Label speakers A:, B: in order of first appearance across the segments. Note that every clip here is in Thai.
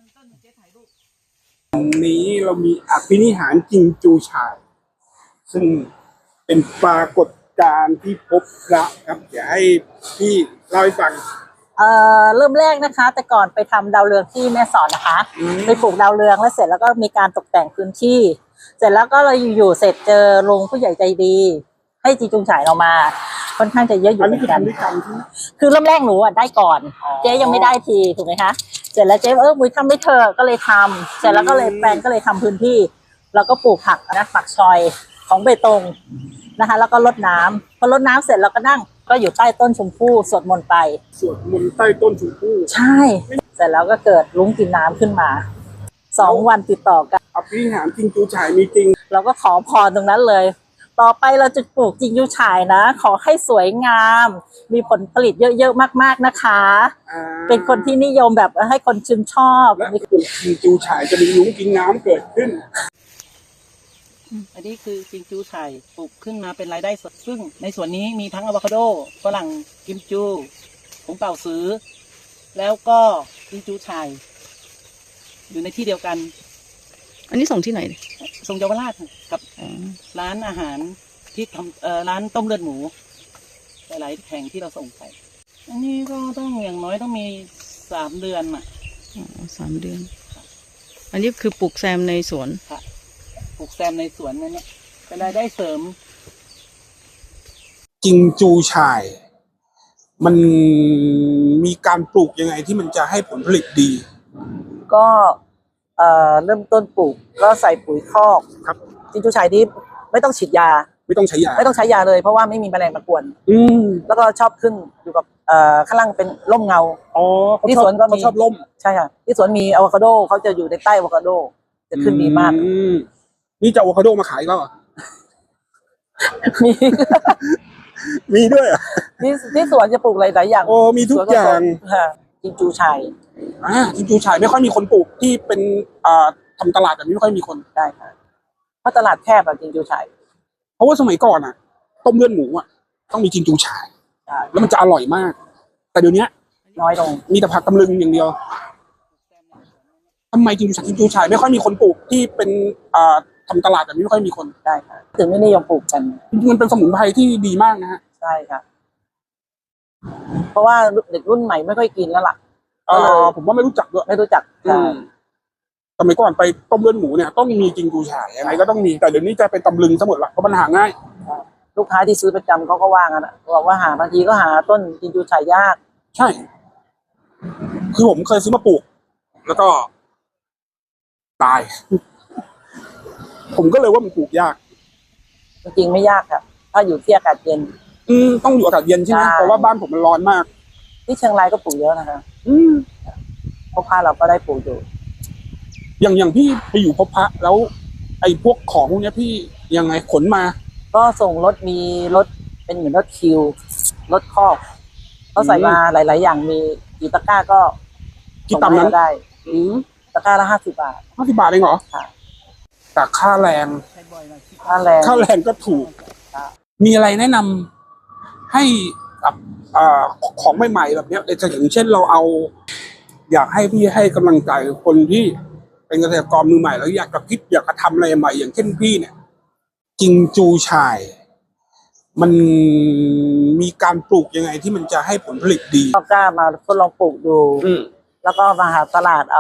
A: ต้นเจ๊ถ่ายรูป
B: นี้เรามีอภินิหารจิงจูฉ่ายซึ่งเป็นปรากฏการณ์ที่พบพระครับเดี๋ยวให้พี่เล่าให้ฟัง
C: เริ่มแรกนะคะ แต่ก่อนไปทำดาวเรืองที่แม่สอดนะคะไปปลูกดาวเรืองแล้วเสร็จแล้วก็มีการตกแต่งพื้นที่ เสร็จแล้วก็เราอยู่เสร็จเจอลุงผู้ใหญ่ใจดี ให้จิงจูฉ่ายเรามาค่อนข้างจะเยอะอยู่เหมือนกันคือเริ่มแรกหนูได้ก่อนเจ๊ยังไม่ได้ทีถูกไหมคะเสร็จแล้วเจ๊มุ้ยทำไม่เธอก็เลยทำเสร็จแล้วก็เลยแปลนก็เลยทำพื้นที่แล้วก็ปลูกผักนะผักชอยของเบตงนะคะแล้วก็รดน้ำพอรดน้ำเสร็จเราก็นั่งก็อยู่ใต้ต้นชมพู่สวดมนต์ไป
B: สวดมนต์ใต้ต้นชมพู่
C: ใช่เสร็จแล้วก็เกิดลุ้งกินน้ำขึ้นมา2 วันติดต่อกัน
B: อภินิหารจิงจูฉ่ายมีจริง
C: เราก็ขอพรตรงนั้นเลยต่อไปเราจะปลูกจิงจูฉ่ายนะขอให้สวยงามมีผลผลิตเยอะๆมากๆนะคะเป็นคนที่นิยมแบบให้คนชื่นชอบ
B: และปลูกจิงจูฉ่ายจะมีลุ้งกินน้ำเกิดขึ้น
A: อันนี้คือจิงจูฉ่ายปลูกขึ้นมาเป็นรายได้สดซึ่งในส่วนนี้มีทั้งอะโวคาโดฝรั่งกิมจูผงเป่าซื้อแล้วก็จิงจูฉ่ายอยู่ในที่เดียวกัน
D: อันนี้ส่งที่ไหน
A: ส่งเยาวราชกับร้านอาหารที่ทำร้านต้มเลือดหมูหลายๆแห่งที่เราส่งไปอันนี้ก็ต้องอย่างน้อยต้องมี3 เดือนอ่ะ
D: 3 เดือนอันนี้คือปลูกแซมในสวน
A: ค่ะปลูกแซมในสวนนั่นเนี่ยเป็นรายได้เสริม
B: จิงจูฉ่ายมันมีการปลูกยังไงที่มันจะให้ผลผลิตดี
C: ก็เริ่มต้นปลูกก็ใส่ปุ๋ยคอก
B: ครับ
C: จิงจูฉ่ายที่ไม่ต้องฉีดยา
B: ไม่ต้องใช้ย
C: าเลยเพราะว่าไม่มีแมลงมากวนแล้วก็ชอบขึ้นอยู่กับข้างล่างเป็นร่มเงาที่สวนก็
B: ชอบร่ม
C: ใช่ค่ะที่สวนมีอะโวคาโดเขาจะอยู่ในใต้อะโวคาโดจะขึ้นดีมาก
B: นี่จะอะโวคาโดมาขายแล้ว
C: มี
B: มีด้วย
C: ที่สวนจะปลูกหลายอย่าง
B: โอ้มีทุกอย่าง
C: จิงจูฉ่าย
B: จิงจูฉ่ายไม่ค่อยมีคนปลูกที่เป็นทำตลาดแบบนี้ไม่ค่อยมีคน
C: ได้ค่ะเพราะตลาดแคบแบบจิงจูฉ่าย
B: เพราะว่าสมัยก่อนต้มเลือดหมูต้องมีจิงจูฉ่ายแล้วมันจะอร่อยมากแต่เดี๋ยวนี้
C: น้อยลง
B: มีแต่ผักตำลึงอย่างเดียวทำไมจิงจูฉ่ายไม่ค่อยมีคนปลูกที่เป็นทำตลาดแบบนี้ไม่ค่อยมีคน
C: ได้ค่ะถึงไม่นิยมปลูกกัน
B: มันเป็นสมุนไพรที่ดีมากนะฮะ
C: ใช่ค่ะเพราะว่าเด็กรุ่นใหม่ไม่ค่อยกินแล้วล่ะ
B: ผมว่าไม่รู้จักด้วย
C: ไม่รู้จัก
B: สมัยก่อนไปต้มเลือดหมูเนี่ยต้องมีจิงจูฉ่ายยังไงก็ต้องมีแต่เดี๋ยวนี้จะเป็นตำลึงทั้งหมดละเพราะมันหาง่าย
C: ลูกค้าที่ซื้อประจำเขาก็ว่างั้นบอกว่าบางทีก็หาต้นจิงจูฉ่ายยาก
B: ใช่คือผมเคยซื้อมาปลูกแล้วก็ตายผมก็เลยว่ามันปลูกยาก
C: จริงๆไม่ยากครับถ้าอยู่ที่อากาศเย็น
B: ต้องอยู่อากาศเย็นใช่ไหมเพราะว่าบ้านผมมันร้อนมาก
C: ที่เชียงรายก็ปลูกเยอะนะคะพบพระเราก็ได้ปลูกอยู่
B: อย่างพี่ไปอยู่พบพระแล้วไอ้พวกของพวกนี้พี่ยังไงขนมา
C: ก็ส่งรถมีรถเป็นเหมือนรถคิวรถครอบเขาใส่มาหลายๆอย่างมีกี่ตะกร้าก็
B: กี่ตำนั้น
C: ได้ตะกร้าละ50 บาท
B: 50 บาทเองเหรอค่ะแต่ค่าแรงก็ถูกมีอะไรแนะนำให้กับของใหม่ๆแบบนี้อย่างเช่นเราเอาอยากให้พี่ให้กำลังใจคนที่เป็นเกษตรกรมือใหม่แล้วอยากจะคิดอยากจะทำอะไรใหม่อย่างเช่นพี่เนี่ยจิงจูฉ่ายมันมีการปลูกยังไงที่มันจะให้ผลผลิตดี
C: ก็กล้ามาทดลองปลูกดูแล้วก็มาหาตลาด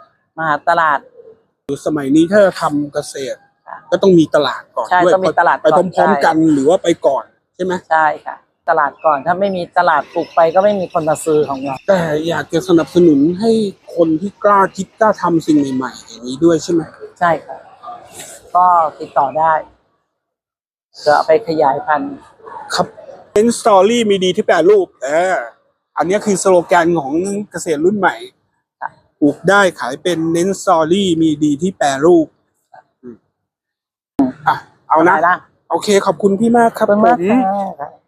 B: สมัยนี้ถ้าทำเกษตรก็ต้องมีตลาดก่อน
C: ด้วยต้องมีตลาด
B: ไปพร้อมๆกันหรือว่าไปก่อนใช่ไหม
C: ใช่ค่ะตลาดก่อนถ้าไม่มีตลาดปลูกไปก็ไม่มีคนมาซื้อของเรา
B: แต่อยากจะสนับสนุนให้คนที่กล้าคิดกล้าทำสิ่งใหม่ๆอย่างนี้ด้วยใช่ไหม
C: ใช่ค่ะก็ติดต่อได้จะเอาไปขยายพันธุ์
B: ครับเน้นสตอรี่มีดีที่แปรรูปอันนี้คือสโลแกนของเกษตรรุ่นใหม่ปลูกได้ขายเป็นเน้นสตอรี่มีดีที่แปรรูปเอานะโอเคขอบคุณพี่มากครับ
C: ผม